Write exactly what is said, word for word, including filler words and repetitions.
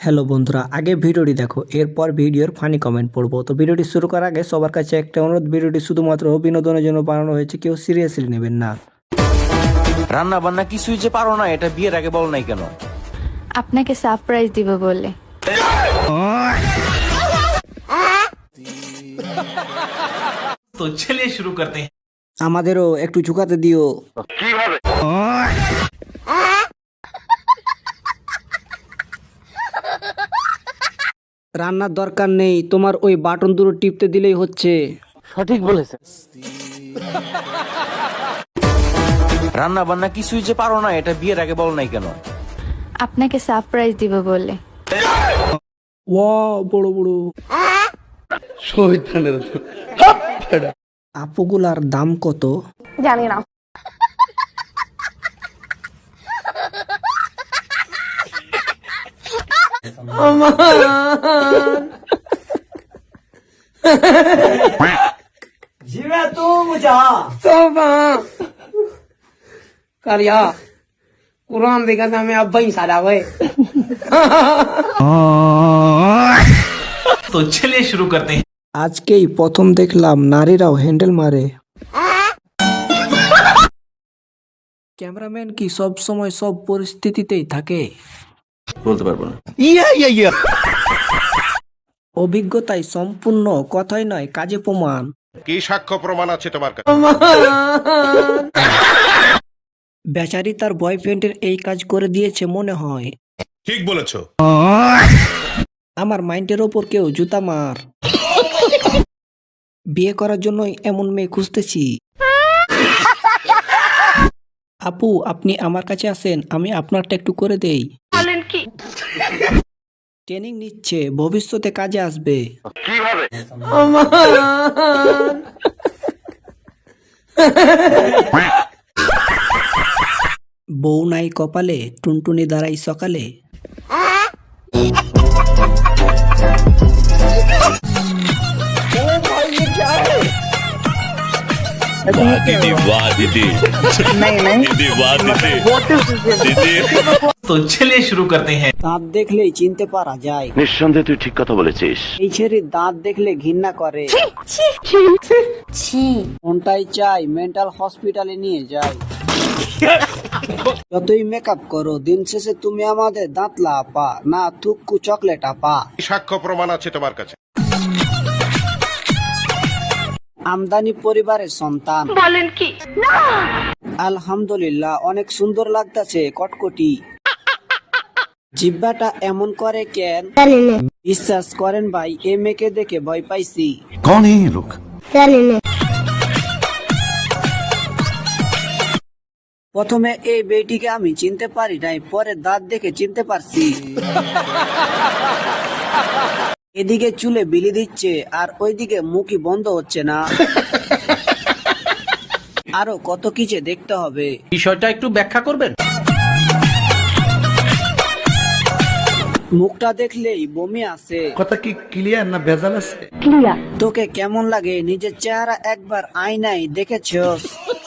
Hello বন্ধুরা, আগে ভিডিওটি দেখো, এরপর ভিডিওর ফানি কমেন্ট পড়বো। তো ভিডিওটি শুরু করার আগে সবার কাছে একটা অনুরোধ, ভিডিওটি শুধুমাত্র বিনোদনের জন্য বানানো হয়েছে, কেউ সিরিয়াসলি নেবেন না। রান্না বান্না কিছুই যে পারো না, এটা বিয়ের আগে বল নাই কেন? আপনাকে সারপ্রাইজ দিব বলে। तो चलिए शुरू करते हैं। আমাদেরও একটু ঝুঁকাতে দিও। কিভাবে? রান্নার দরকার নেই, তোমার ওই বাটন দুটো টিপতে দিলেই হচ্ছে। সঠিক বলেছে। রান্না বান্না কিছুই যে পারো না, এটা বিয়ের আগে বল নাই কেন? আপনাকে সারপ্রাইজ দিব বলে। ওয়াও, বড় বড় আপুগুলার দাম কত? জানি না। करिया कुरान देखा था मैं अब ही सारा हुए। तो चलिए शुरू करते हैं। আজকেই প্রথম দেখলাম নারীরাও হ্যান্ডেল মারে। ক্যামেরাম্যান কি সব সময় সব পরিস্থিতিতেই থাকে? বলতে পারবো না। অভিজ্ঞতায় সম্পূর্ণ, কথাই নয় কাজে প্রমাণ। কি সাক্ষ্য প্রমাণ আছে তোমার কাছে? বেচারি তার বয়ফ্রেন্ডের এই কাজ করে দিয়েছে মনে হয়। ঠিক বলেছো। আমার মাইন্ডের ওপর কেউ জুতা মার। বিয়ে করার জন্যই এমন মেয়ে খুঁজতেছি। আপু, আপনি আমার কাছে আসেন, আমি আপনারটা একটু করে দেই। ট্রেনিং নিচ্ছে, ভবিষ্যতে কাজে আসবে। কিভাবে? বউ নাই কপালে, টুনটুনি দাঁড়াই সকালে। तो चलिए शुरू करते हैं। দাঁত দেখলেই চিনতে পারা যায়। নিঃসন্দেহে তুই ঠিক কথা বলেছিস। এই ছেড়ে দাঁত দেখলে ঘৃণা করে। কোনটাই চাই মেন্টাল হসপিটালে নিয়ে যাই। যতই মেকআপ করো, দিন শেষে তুমি আমাদের দাঁত লাপা না থুক্কু চকলেট আপা। কি সাক্ষ্য প্রমাণ আছে তোমার কাছে? আমদানি পরিবারের সন্তান। বলেন কি? আলহামদুলিল্লাহ, অনেক সুন্দর লাগতাছে কটকটি। জিব্বাটা এমন করে কেন? বিশ্বাস করেন ভাই, এ মেয়েকে দেখে ভয় পাইছি। कौन है ये लोग? প্রথমে এই বেটিকে আমি চিনতে পারি নাই, পরে দাঁত দেখে চিনতে পারছি। এদিকে চুলে বিলি দিচ্ছে আর ওইদিকে মুখই বন্ধ হচ্ছে না। আরো কত কিছু দেখতে হবে। বিষয়টা একটু ব্যাখ্যা করবেন? মুখটা দেখলেই বমি আসে। কথা কি ক্লিয়ার না ভেজাল আছে? তোকে কেমন লাগে নিজের চেহারা একবার আয়নায় দেখেছস?